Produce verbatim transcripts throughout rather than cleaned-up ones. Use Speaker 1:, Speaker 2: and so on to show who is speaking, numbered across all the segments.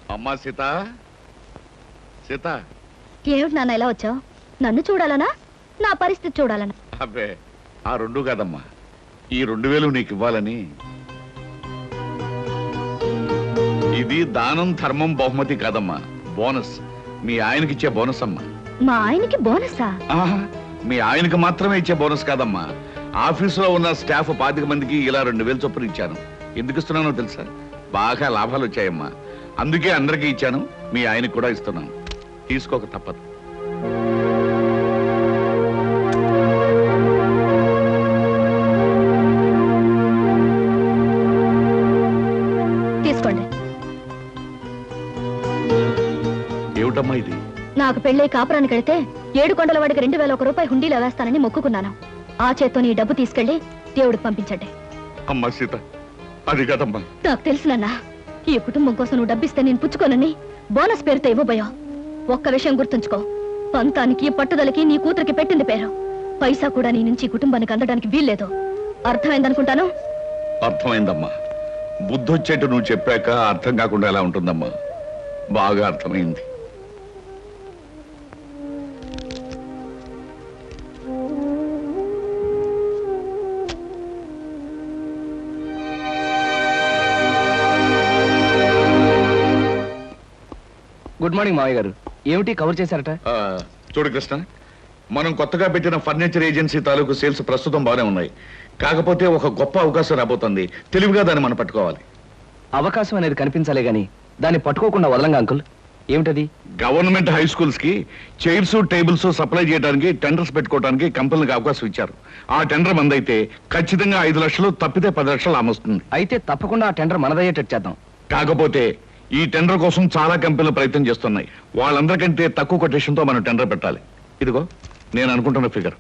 Speaker 1: అమ్మా సీత, సీత.
Speaker 2: ఏమిటి నాన్న ఇలా వచ్చావు? నన్ను చూడాలనా, నా పరిస్థితి చూడాలనా?
Speaker 1: అబ్బే, ఆ రెండు కాదమ్మా, ఈ రెండు వేలు నీకు ఇవ్వాలని. ఇది దానం ధర్మం బహుమతి కాదమ్మా, బోనస్. మీ ఆయనకి ఇచ్చే బోనస్ అమ్మా.
Speaker 2: మా ఆయనకి బోనసా?
Speaker 1: మీ ఆయనకి మాత్రమే ఇచ్చే బోనస్ కాదమ్మా, ఆఫీసులో ఉన్న స్టాఫ్ పాతిక మందికి ఇలా రెండు వేలు చొప్పున ఇచ్చాను. ఎందుకు ఇస్తున్నానో తెలుసా? బాగా లాభాలు వచ్చాయమ్మా, అందుకే అందరికీ ఇచ్చాను. మీ ఆయనకి కూడా ఇస్తున్నాను, తీసుకోక తప్పదు.
Speaker 2: తీసుకోండి.
Speaker 1: ఏమిటమ్మా ఇది?
Speaker 2: నాకు పెళ్ళై కాపురానికి వెళితే ఏడు కొండల వాడికి రెండు వేల ఒక రూపాయి హుండీలో వేస్తానని మొక్కుకున్నాను. ఆ చేత్తో నీ డబ్బు తీసుకెళ్లి దేవుడికి పంపించండి.
Speaker 1: అమ్మా సీత, అది కాదమ్మా.
Speaker 2: నాకు తెలుసునన్నా, ఈ కుటుంబం కోసం నువ్వు డబ్బిస్తే నేను పుచ్చుకోనని బోనస్ పేరుతో ఇవ్వబోయా. ఒక్క విషయం గుర్తుంచుకో, పంతానికి పట్టుదలకి నీ కూతురికి పెట్టింది పేరు. పైసా కూడా నీ నుంచి కుటుంబానికి అందడానికి వీల్లేదు. అర్థమైందనుకుంటాను.
Speaker 1: అర్థమైందమ్మా. బుద్ధొచ్చేట్టు నువ్వు చెప్పాక అర్థం కాకుండా ఎలా ఉంటుందమ్మా? బాగా అర్థమైంది.
Speaker 3: గుడ్ మార్నింగ్ మావయ్య గారు. ఏమిటి కవర్ చేశారట?
Speaker 1: చూడు కృష్ణ, మనం కొత్తగా పెట్టిన ఫర్నిచర్ ఏజెన్సీ తాలూకు సేల్స్ ప్రస్తుతం బాగానే ఉన్నాయి. కాకపోతే ఒక గొప్ప అవకాశం రాబోతుంది. తెలివిగా దాన్ని మనం పట్టుకోవాలి.
Speaker 3: అవకాశం అనేది కనిపించాలే గాని దాన్ని పట్టుకోకుండా వదలంగా అంకుల్. ఏమిటది?
Speaker 1: గవర్నమెంట్ హై స్కూల్స్ కి చైర్స్ టేబుల్స్ సప్లై చేయడానికి టెండర్స్ పెట్టుకోవడానికి కంపెనీలకు అవకాశం ఇచ్చారు. ఆ టెండర్ మందైతే ఖచ్చితంగా ఐదు లక్షలు, తప్పితే పది లక్షలు ఆమొస్తుంది.
Speaker 3: అయితే తప్పకుండా ఆ టెండర్ మనదయ్యేటట్టు చేద్దాం.
Speaker 1: కాకపోతే ఈ టెండర్ కోసం చాలా కంపెనీలు ప్రయత్నం చేస్తున్నాయి. వాళ్ళందరికంటే తక్కువ కొటేషన్ తో మనం టెండర్ పెట్టాలి. ఇదిగో నేను అనుకుంటున్న ఫిగర్.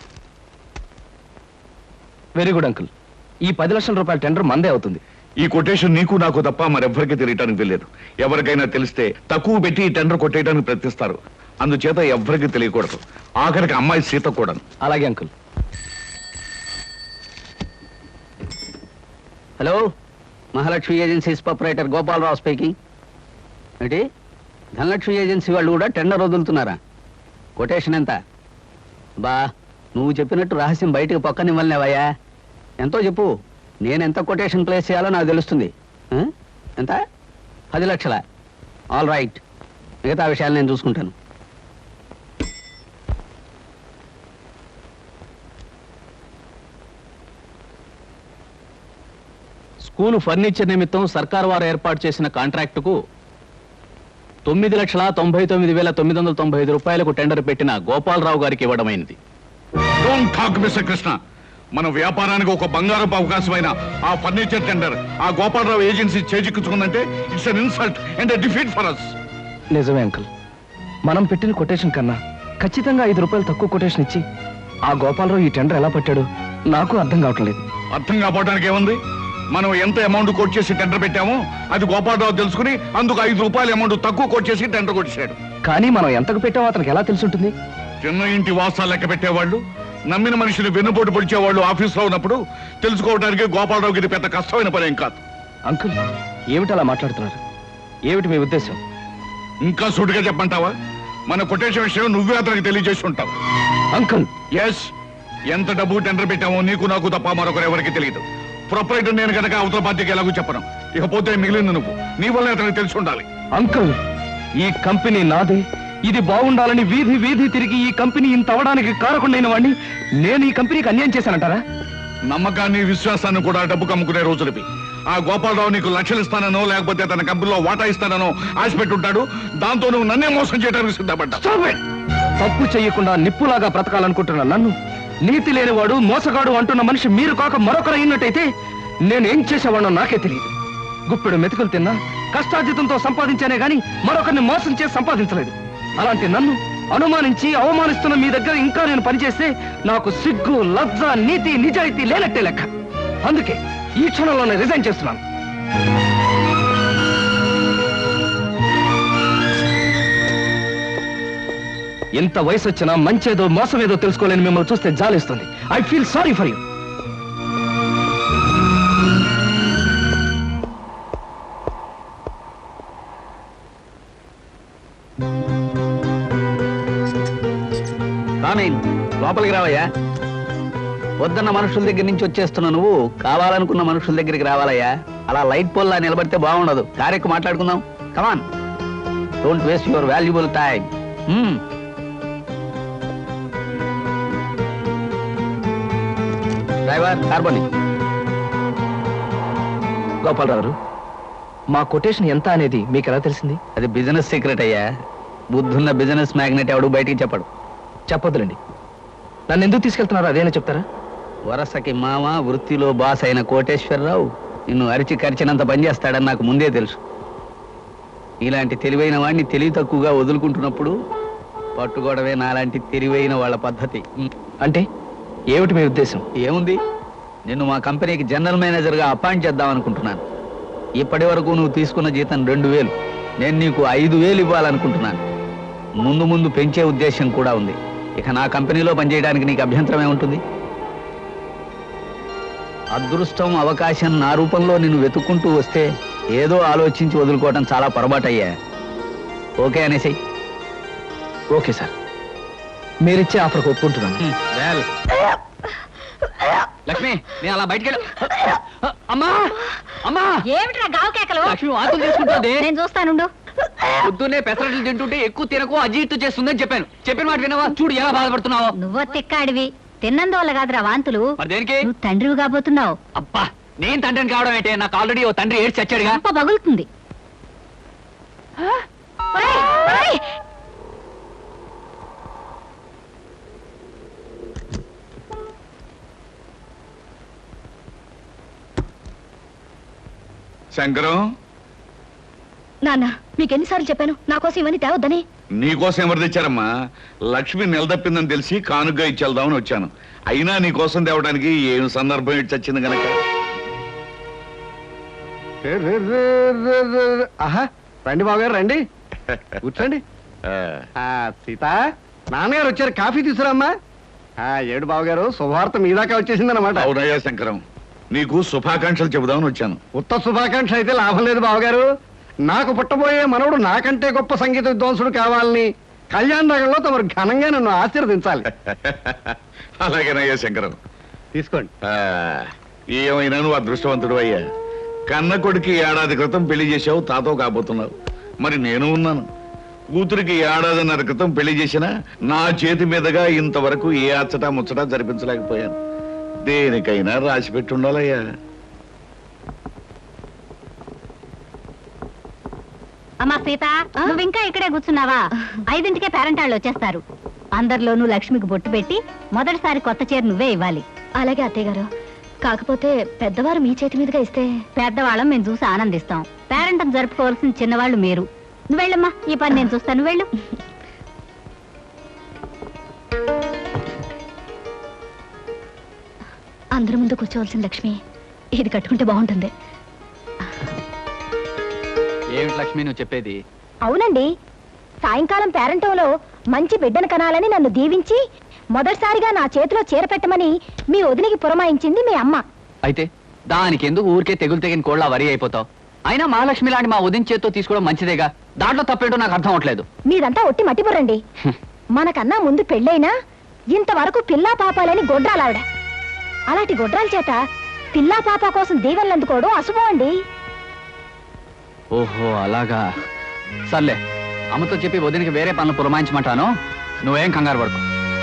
Speaker 3: Very good uncle. ఈ పది లక్షల రూపాయల టెండర్ మందే అవుతుంది.
Speaker 1: ఈ కొటేషన్ నీకు నాకు తప్ప మరెవ్వరికి తెలియటానికి తెలియదు. ఎవరికైనా తెలిస్తే తక్కువ పెట్టి ఈ టెండర్ కొట్టేయడానికి ప్రయత్నిస్తారు. అందుచేత ఎవ్వరికి తెలియకూడదు, ఆఖరికి అమ్మాయి సీత కూడా.
Speaker 3: అలాగే uncle.
Speaker 4: Hello, Mahalakshmi agencies proprietor Gopalarao speaking. ఏంటి, ధనలక్ష్మి ఏజెన్సీ వాళ్ళు కూడా టెండర్ వదులుతున్నారా? కొటేషన్ ఎంత? బా, నువ్వు చెప్పినట్టు రహస్యం బయటకు పక్కనివ్వలేవయ్యా. ఎంతో చెప్పు, నేను ఎంత కొటేషన్ ప్లేస్ చేయాలో నాకు తెలుస్తుంది. ఎంత? పది లక్షల. ఆల్ రైట్, మిగతా విషయాలు నేను చూసుకుంటాను.
Speaker 5: స్కూలు ఫర్నిచర్ నిమిత్తం సర్కార్ వారు ఏర్పాటు చేసిన కాంట్రాక్టుకు తొమ్మిది లక్షల తొంభై తొమ్మిది వేల తొమ్మిది వందల తొంభై ఐదు రూపాయలకు టెండర్ పెట్టిన గోపాలరావు గారికి ఇవ్వడమైనది.
Speaker 1: Don't talk mister Krishna. మన వ్యాపారానికి ఒక బంగారపు అవకాశమైన ఆ ఫర్నిచర్ టెండర్ ఆ గోపాలరావు ఏజెన్సీ చేజిక్కించుకుందంటే it's an insult and a defeat for us.
Speaker 3: నిజమే అంకుల్. మనం పెట్టిన కొటేషన్ కన్నా ఖచ్చితంగా ఐదు రూపాయలు తక్కువ కొటేషన్ ఇచ్చి ఆ గోపాలరావు ఈ టెండర్ ఎలా పట్టాడు నాకు అర్థం కావట్లేదు.
Speaker 1: అర్థం కావడానికి ఏముంది? మనం ఎంత అమౌంట్ కోట్ చేసి టెండర్ పెట్టామో అది గోపాలరావు తెలుసుకుని అందుకు ఐదు రూపాయల అమౌంట్ తక్కువ కోట్ చేసి టెండర్ కొట్టేశాడు.
Speaker 3: కానీ మనం ఎంతకు పెట్టామో అతనికి ఎలా తెలుసుంటుంది?
Speaker 1: చిన్న ఇంటి వాసాలు లెక్క పెట్టేవాళ్ళు, నమ్మిన మనుషులు వెన్నుపోటు పొడిచేవాళ్ళు ఆఫీస్లో ఉన్నప్పుడు తెలుసుకోవడానికి గోపాలరావుకి ఇది పెద్ద కష్టమైన పని ఏం కాదు.
Speaker 3: అంకుల్, ఏమిటి అలా మాట్లాడుతున్నారు? ఏమిటి మీ ఉద్దేశం?
Speaker 1: ఇంకా సూటిగా చెప్పంటావా? మన కొటేషన్ విషయం నువ్వే అతనికి తెలియజేసి ఉంటావు.
Speaker 3: అంకుల్,
Speaker 1: ఎస్, ఎంత డబ్బు టెండర్ పెట్టామో నీకు నాకు తప్ప మరొకరు ఎవరికి తెలియదు. ప్రొపరైటర్ నేను కనుక అవతల పార్టీకి ఎలాగో చెప్పను. ఇకపోతే మిగిలింది నువ్వు. నీ వల్ల అతనికి తెలిసి ఉండాలి.
Speaker 3: అంకుల్, ఈ కంపెనీ నాదే. ఇది బాగుండాలని వీధి వీధి తిరిగి ఈ కంపెనీ ఇంత అవడానికి కారకుండైన వాడిని నేను ఈ కంపెనీకి అన్యాయం చేశానంటారా?
Speaker 1: నమ్మకాన్ని విశ్వాసాన్ని కూడా డబ్బు కమ్ముకునే రోజులవి. ఆ గోపాలరావు నీకు లక్షలు ఇస్తానో లేకపోతే తన కంపెనీలో వాటా ఇస్తానో ఆశ పెట్టుంటాడు. దాంతో నువ్వు నన్నే మోసం చేయడానికి సిద్ధపడ్డా.
Speaker 3: తప్పు చెయ్యకుండా నిప్పులాగా బ్రతకాలనుకుంటున్నా నన్ను నీతి లేనివాడు, మోసగాడు అంటున్న మనిషి మీరు కాక మరొకరు అయినట్టయితే నేనేం చేసేవాడో నాకే తెలియదు. గుప్పెడు మెతుకులు తిన్నా కష్టార్జితంతో సంపాదించానే గాని మరొకరిని మోసం చేసి సంపాదించలేదు. అలాంటి నన్ను అనుమానించి అవమానిస్తున్న మీ దగ్గర ఇంకా నేను పనిచేస్తే నాకు సిగ్గు, లజ్జ, నీతి, నిజాయితీ లేనట్టే లెక్క. అందుకే ఈ క్షణంలోనే రిజైన్ చేస్తున్నాను. ఎంత వయసు వచ్చినా మంచేదో మోసమేదో తెలుసుకోలేని మిమ్మల్ని చూస్తే జాలిస్తుంది. I feel sorry for you.
Speaker 4: రామేన్ లోపలికి రావయ్యా. వద్దన్న మనుషుల దగ్గర నుంచి వచ్చేస్తున్నా నువ్వు కావాలనుకున్న మనుషుల దగ్గరికి రావాలయ్యా. అలా లైట్ పోల్లా నిలబడితే బాగుండదు. కారెక్కు మాట్లాడుకుందాం. Come on, don't waste your valuable time. Driver కార్బోని.
Speaker 3: గోపాలరావు గారు, మా కొటేషన్ ఎంత అనేది మీకు ఎలా తెలిసింది?
Speaker 4: అది బిజినెస్ సీక్రెట్ అయ్యా. బుద్ధున్న బిజినెస్ మ్యాగ్నెట్ ఎవడు బయటికి చెప్పడు.
Speaker 3: చెప్పొద్దులండి. నన్ను ఎందుకు తీసుకెళ్తున్నారో అదేనా చెప్తారా?
Speaker 4: వరసకి మామ, వృత్తిలో బాస్ అయిన కోటేశ్వరరావు నిన్ను అరిచి కరిచినంత పనిచేస్తాడని నాకు ముందే తెలుసు. ఇలాంటి తెలివైన వాడిని తెలివి తక్కువగా వదులుకుంటున్నప్పుడు పట్టుకోవడమే నాలాంటి తెలివైన వాళ్ళ పద్ధతి.
Speaker 3: అంటే ఏమిటి మీ ఉద్దేశం?
Speaker 4: ఏముంది, నిన్ను మా కంపెనీకి జనరల్ మేనేజర్గా అపాయింట్ చేద్దాం అనుకుంటున్నాను. ఇప్పటి వరకు నువ్వు తీసుకున్న జీతం రెండు వేలు, నేను నీకు ఐదు వేలు ఇవ్వాలనుకుంటున్నాను. ముందు ముందు పెంచే ఉద్దేశం కూడా ఉంది. ఇక నా కంపెనీలో పనిచేయడానికి నీకు అభ్యంతరం ఏముంటుంది? అదృష్టం, అవకాశం నా రూపంలో నిన్ను వెతుక్కుంటూ వస్తే ఏదో ఆలోచించి వదులుకోవటం చాలా పొరపాటయ్యా. ఓకే అనేసి.
Speaker 3: ఓకే సార్, మీరిచ్చే ఆఫర్కి ఒప్పుకుంటున్నాను.
Speaker 4: లక్ష్మి, నేను అలా బయటికి అమ్మా అమ్మా
Speaker 2: ఏమిట్రా గావు కేకలు?
Speaker 4: లక్ష్మి వాంతులు చేసుకుంటుంది.
Speaker 2: నేను చూస్తానుండు.
Speaker 4: పొద్దున్నే పెసరట్లు తింటుంటే ఎక్కువ తినకు, అజీర్తి చేస్తుందని చెప్పాను. చెప్పిన మాట వినవా? చూడు ఎలా బాధపడుతున్నావు.
Speaker 2: నువ్వో తిక్కాడివి, తిన్నందువల్ల కాదురా వాంతులు.
Speaker 4: మరి దేనికి?
Speaker 2: నువ్వు తండ్రివి కాబోతున్నావు.
Speaker 4: అబ్బా, నేను తండ్రిని కావడం ఏంటే? నాకు ఆల్రెడీ ఓ తండ్రి ఏడ్చి చచ్చాడుగా.
Speaker 2: అప్ప పగులుతుంది. ఒరేయ్, ఒరేయ్!
Speaker 1: శంకరం,
Speaker 2: నాన్న, మీకు ఎన్నిసార్లు చెప్పాను నా కోసం ఇవన్నీ తేవద్దని?
Speaker 1: నీకోసం ఎవరు తెచ్చారమ్మా? లక్ష్మి నిలదప్పిందని తెలిసి కానుగ్గా ఇచ్చేద్దామని వచ్చాను. అయినా నీకోసం తేవడానికి ఏం సందర్భం ఇటు చచ్చింది గనక.
Speaker 6: ఆహా, రండి బావగారు, రండి కూర్చోండి. ఆ, సీత, నాన్నగారు వచ్చారు, కాఫీ తీసుకురామ్మా. ఆ, ఏడు బావగారు, శుభవార్త మీ దాకా వచ్చేసిందన్నమాట.
Speaker 1: అవునయ్యా శంకరం, నీకు శుభాకాంక్షలు చెబుదామని వచ్చాను.
Speaker 6: ఉత్త శుభాకాంక్ష అయితే లాభం లేదు బావగారు. నాకు పుట్టబోయే మనవడు నాకంటే గొప్ప సంగీత విద్వాంసుడు కావాలని కళ్యాణ్ నగర్లో తమరు ఘనంగా నన్ను ఆశీర్వదించాలి.
Speaker 1: అలాగేనయ్యా శంకరం,
Speaker 6: తీసుకోండి.
Speaker 1: ఆ, ఏమైనా నువ్వు అదృష్టవంతుడు అయ్యా. కన్న కొడుకి ఏడాది క్రితం పెళ్లి చేసావు, తాతో కాబోతున్నావు. మరి నేను ఉన్నాను. కూతురికి ఏడాదిన్నర క్రితం పెళ్లి చేసినా నా చేతి మీదుగా ఇంతవరకు ఏ అచ్చటా ముచ్చటా జరిపించలేకపోయాను. దేనికైనా రాసి పెట్టి ఉండాలయ్యా.
Speaker 2: అమ్మా సీత, నువ్వు ఇంకా ఇక్కడే కూర్చున్నావా? ఐదింటికే పేరెంట్ వాళ్ళు వచ్చేస్తారు. అందరిలోనూ లక్ష్మికి బొట్టు పెట్టి మొదటిసారి కొత్త చీర నువ్వే ఇవ్వాలి. అలాగే అత్తయ్య గారు. కాకపోతే పెద్దవారు మీ చేతి మీదుగా ఇస్తే పెద్దవాళ్ళం మేము చూసి ఆనందిస్తాం. పేరెంట్ జరుపుకోవాల్సిన చిన్నవాళ్ళు మీరు. నువ్వు వెళ్ళమ్మా, ఈ పని నేను చూస్తాను. వెళ్ళు. అందరి ముందు కూర్చోవలసిన లక్ష్మి ఇది కట్టుకుంటే బాగుంటుంది.
Speaker 4: ఏమిటి లక్ష్మి నువ్వు చెప్పేది?
Speaker 2: అవునండి, సాయంకాలం పేరంటంలో మంచి బిడ్డను కనాలని నన్ను దీవించి మొదటిసారిగా నా చేతిలో చీర పెట్టమని మీ వదినికి పురమాయించింది మీ అమ్మ.
Speaker 4: అయితే దానికి ఎందుకు ఊరికే తెగులు తెగిన కోళ్ళ వరి అయిపోతావు? అయినా మహాలక్ష్మి లాంటి మా ఉదయం చేత్తో తీసుకోవడం మంచిదేగా. దాంట్లో తప్పేంటో నాకు అర్థం అవట్లేదు.
Speaker 2: మీదంతా ఒట్టి మట్టిపురండి. మనకన్నా ముందు పెళ్ళైనా ఇంతవరకు పిల్లా పాపాలని గొడ్రాలావిడ. అలాంటి గొడ్రాల చేత పిల్లా పాప కోసం దీవెనలు అందుకోవడం అశుభం అండి.
Speaker 4: ఓహో అలాగా. సర్లే, అమ్మతో చెప్పి వదినికి వేరే పనులు పురమాయించమంటాను. నువ్వేం కంగారు పడుకో.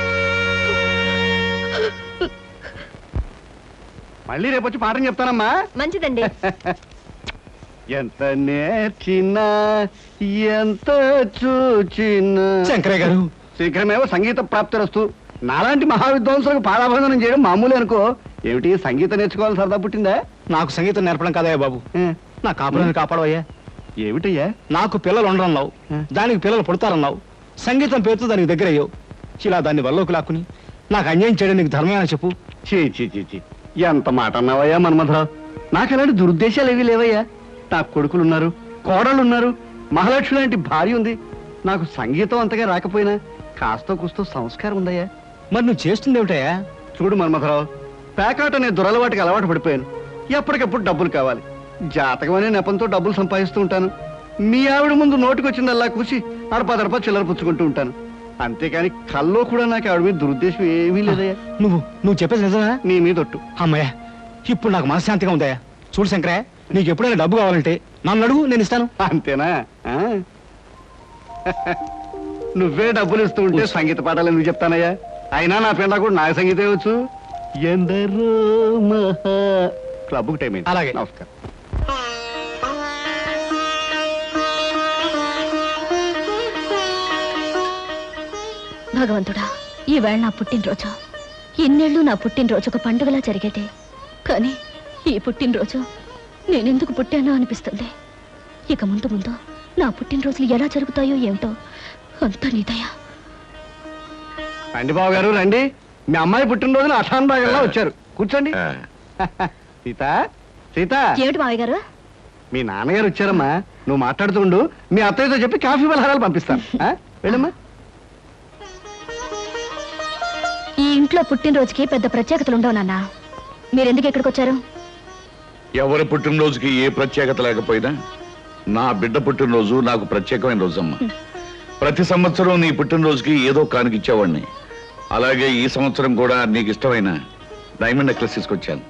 Speaker 6: మళ్ళీ రేపు వచ్చి పాఠం చెప్తానమ్మా.
Speaker 2: మంచిదండి.
Speaker 6: ఎంత నేర్చినా ఎంత చూచినా.
Speaker 3: శంకరయ్య గారు,
Speaker 6: శీఘ్రమేవో సంగీత ప్రాప్తిరస్తు. నాలాంటి మహావిద్వాంసులకు పాదాభందనం చేయడం మామూలు అనుకో. ఏమిటి, సంగీతం నేర్చుకోవాలి సరదా పుట్టిందా?
Speaker 3: నాకు సంగీతం నేర్పడం కదయ్యా బాబు,
Speaker 6: ఏ,
Speaker 3: నా కాపురాన్ని కాపాడవయ్యా.
Speaker 6: ఏమిటయ్యా?
Speaker 3: నాకు పిల్లలు ఉండరన్నావు, దానికి పిల్లలు పుడతారన్నావు. సంగీతం పేరుతో దానికి దగ్గర అయ్యావు. ఇలా దాన్ని వల్లోకి లాక్కుని నాకు అన్యాయం చేయడం నీకు ధర్మమేనా చెప్పు?
Speaker 6: చీ చీ చీ చీ, ఎంత మాట అన్నావయ్యా మన్మథరావు. నాకు అలాంటి దురుద్దేశాలు ఏవీ లేవయ్యా. నాకు కొడుకులున్నారు, కోడళ్ళున్నారు, మహాలక్ష్మి లాంటి భార్య ఉంది. నాకు సంగీతం అంతగా రాకపోయినా కాస్తో కూస్తో సంస్కారం ఉందయ్యా.
Speaker 3: మరి నువ్వు చేస్తుంది ఏమిటయ్యా?
Speaker 6: చూడు మన్మథరావు, పేకాట అనే దురలవాటికి అలవాటు పడిపోయాను. ఎప్పటికప్పుడు డబ్బులు కావాలి. జాతకం అనే నెపంతో డబ్బులు సంపాదిస్తూ ఉంటాను. మీ ఆవిడ ముందు నోటికొచ్చిందల్లా కూసి అడపా దడపా చిల్లర పుచ్చుకుంటూ ఉంటాను. అంతేకాని కల్లో కూడా నాకు ఆవిడ మీద దురుద్దేశం ఏమీ లేదయ్యా.
Speaker 7: నువ్వు నువ్వు చెప్పేది నిజమా?
Speaker 6: నీ మీద ఒట్టు.
Speaker 7: అమ్మయ్య, ఇప్పుడు నాకు మనశ్శాంతిగా ఉందయ్యా. చూడు శంకరయ్య, నీకు ఎప్పుడైనా డబ్బు కావాలంటే నన్ను అడుగు, నేను ఇస్తాను.
Speaker 6: అంతేనా? ఆ? నువ్వే డబ్బులు ఇస్తూ ఉంటే సంగీత పాఠాలు ఎందుకు చెప్తానయ్యా? అయినా నా పిల్ల కూడా నాకు సంగీతం వచ్చు. ఎందరో మహా క్లబ్కు టైం అయింది.
Speaker 7: అలాగే.
Speaker 6: నమస్కారం.
Speaker 2: భగవంతుడా, ఈవేళ నా పుట్టినరోజు. ఇన్నేళ్ళు నా పుట్టినరోజు ఒక పండుగలా జరిగేది. కానీ ఈ పుట్టినరోజు నేనెందుకు పుట్టానో అనిపిస్తుంది. ఇక ముందు ముందు నా పుట్టినరోజులు ఎలా జరుగుతాయో ఏమిటో అంతా నీదయ్యా.
Speaker 6: రండి బాబు గారు, రండి. మీ అమ్మాయి పుట్టినరోజున అఠాన్ బాగల్లా వచ్చారు. కూర్చోండి.
Speaker 1: ఆ,
Speaker 6: సీత, సీత,
Speaker 2: ఏమిటి మావయ్య గారు?
Speaker 6: మీ నాన్నగారు వచ్చారమ్మా. నువ్వు మాట్లాడుతుండు, మీ అత్తయ్యతో చెప్పి కాఫీ పలహారాలు పంపిస్తాను. ఆ? వెళ్ళమ్మా.
Speaker 2: ఈ ఇంట్లో పుట్టినరోజుకి పెద్ద ప్రత్యేకతలు ఉండవు నాన్న. మీరెందుకు ఇక్కడికి వచ్చారు?
Speaker 1: ఎవరి పుట్టినరోజుకి ఏ ప్రత్యేకత లేకపోయినా నా బిడ్డ పుట్టినరోజు నాకు ప్రత్యేకమైన రోజమ్మా. ప్రతి సంవత్సరం నీ పుట్టినరోజుకి ఏదో కానుకిచ్చేవాడిని. అలాగే ఈ సంవత్సరం కూడా నీకు ఇష్టమైన డైమండ్ నెక్లెస్ తీసుకొచ్చాను.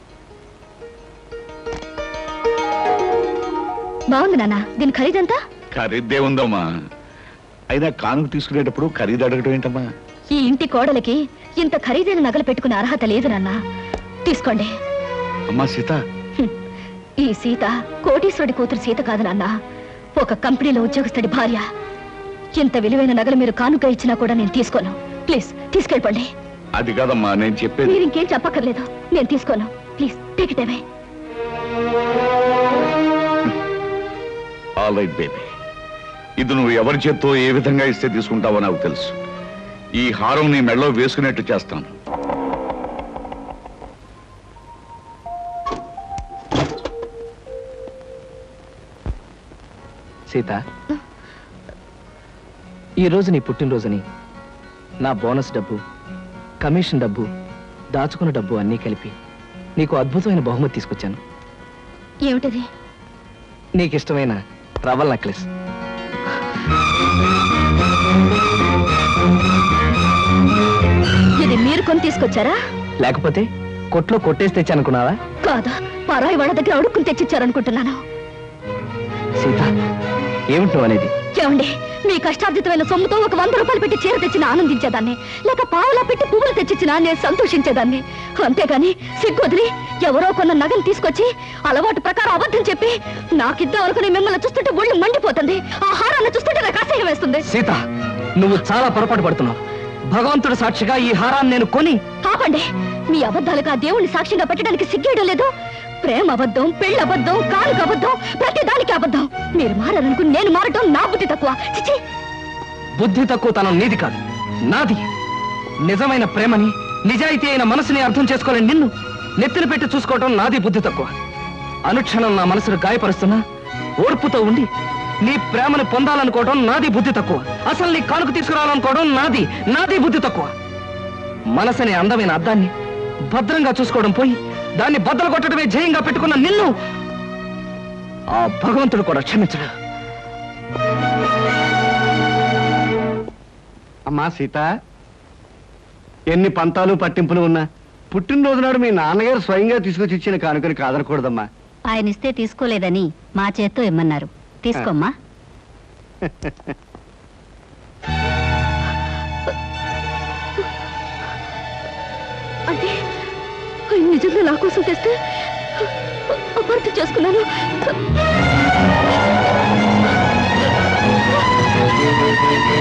Speaker 2: బాగుంది నాన్న. దీని ఖరీదంతా?
Speaker 1: ఖరీదే ఉందమ్మా. అయినా కానుక తీసుకునేటప్పుడు ఖరీదు అడగటం ఏంటమ్మా?
Speaker 2: ఈ ఇంటి కోడలికి ఇంత ఖరీదైన నగలు పెట్టుకునే అర్హత లేదు నాన్న. తీసుకోండి.
Speaker 1: అమ్మా సీత,
Speaker 2: హ్మ్. ఈ సీత కోటీశ్వరుడి కూతురు సీత కాదు నాన్న, ఒక కంపెనీలో ఉద్యోగస్తుడి భార్య. ఇంత విలువైన నగలు మీరు కానుక ఇచ్చినా కూడా నేను తీసుకోను. ప్లీజ్ తీసుకెళ్ళిపోండి.
Speaker 1: అది కాదమ్మా నేను చెప్పేది.
Speaker 2: మీరు ఇంకేం చెప్పక్కర్లేదు, నేను తీసుకోను. Please take it away.
Speaker 1: All right baby, ఇది నువ్వు ఎవరి చేత్తో ఏ విధంగా ఇస్తే తీసుకుంటావో నాకు తెలుసు. ఈ హారం నీ మెడలో వేసుకునేట్టు చేస్తాను.
Speaker 3: సీత, ఈరోజు నీ పుట్టినరోజుని నా బోనస్ డబ్బు, కమిషన్ డబ్బు, దాచుకున్న డబ్బు అన్నీ కలిపి నీకు అద్భుతమైన బహుమతి తీసుకొచ్చాను.
Speaker 2: ఏమిటది?
Speaker 3: నీకు ఇష్టమైన రవల్ నెక్లెస్.
Speaker 2: ఇది మీరు కొని తీసుకొచ్చారా?
Speaker 3: లేకపోతే కొట్లో కొట్టేసి తెచ్చానుకున్నావా?
Speaker 2: కాదా, పరాయి వాళ్ళ దగ్గర అడుక్కుని తెచ్చిచ్చారనుకుంటున్నాను.
Speaker 3: సీత, ఏమిటి నువ్వు అనేది?
Speaker 2: ఏమండి, మీ కష్టార్జితమైన సొమ్ముతో ఒక వంద రూపాయలు పెట్టి చీర తెచ్చిన ఆనందించేదాన్ని, లేక పావులా పెట్టి పువ్వులు తెచ్చిచ్చినా నేను సంతోషించేదాన్ని. అంతేగాని సిగ్గొదిలి ఎవరో కొన్న నగలు తీసుకొచ్చి అలవాటు ప్రకారం అబద్ధం చెప్పి నాకిద్దాం అనుకుని మిమ్మల్ని చూస్తుంటే ఒళ్ళు మండిపోతుంది. ఆ హారాన్ని చూస్తుంటే నాకు అసహ్యం వేస్తుంది.
Speaker 3: సీత, నువ్వు చాలా పొరపాటు పడుతున్నావు. భగవంతుడు సాక్షిగా ఈ హారాన్ని నేను కొని...
Speaker 2: ఆపండి. మీ అబద్ధాలకు ఆ దేవుణ్ణి సాక్షిగా పెట్టడానికి సిగ్గేయడం లేదు. ప్రేమ అబద్ధం, పెళ్ళి అబద్ధం, కానుక అబద్ధం, ప్రతి దానికి అబద్ధం. మీరు మారాలనుకుని నేను మారటం నా బుద్ధి తక్కువ. చిచి,
Speaker 3: బుద్ధి తక్కువ తనం నీది కాదు, నాది. నిజమైన ప్రేమని, నిజాయితీ అయిన మనసుని అర్థం చేసుకోలేని నిన్ను నెత్తిన పెట్టి చూసుకోవటం నాది బుద్ధి తక్కువ. అనుక్షణం నా మనసును గాయపరుస్తున్నా ఓర్పుతో ఉండి నీ ప్రేమను పొందాలనుకోవడం నాది బుద్ధి తక్కువ. అసలు నీ కానుక తీసుకురావాలనుకోవడం నాది నాది బుద్ధి తక్కువ. మనసనే అందమైన అద్దాన్ని భద్రంగా చూసుకోవడం పోయి దాన్ని బద్దలు కొట్టడమే జయంగా పెట్టుకున్న నిన్ను ఆ భగవంతుడు కూడా క్షమించడు.
Speaker 6: అమ్మా సీత, ఎన్ని పంతాలు పట్టింపులు ఉన్నా పుట్టినరోజు నాడు మీ నాన్నగారు స్వయంగా తీసుకొచ్చి ఇచ్చిన కానుకని కాదనకూడదమ్మా.
Speaker 8: ఆయన ఇస్తే తీసుకోలేదని మా చేత్తో ఇమ్మన్నారు. తీసుకోమ్మా.
Speaker 2: అంటే ఆయన నిజంగా నా కోసం తెస్తే అపార్థం చేసుకున్నాను.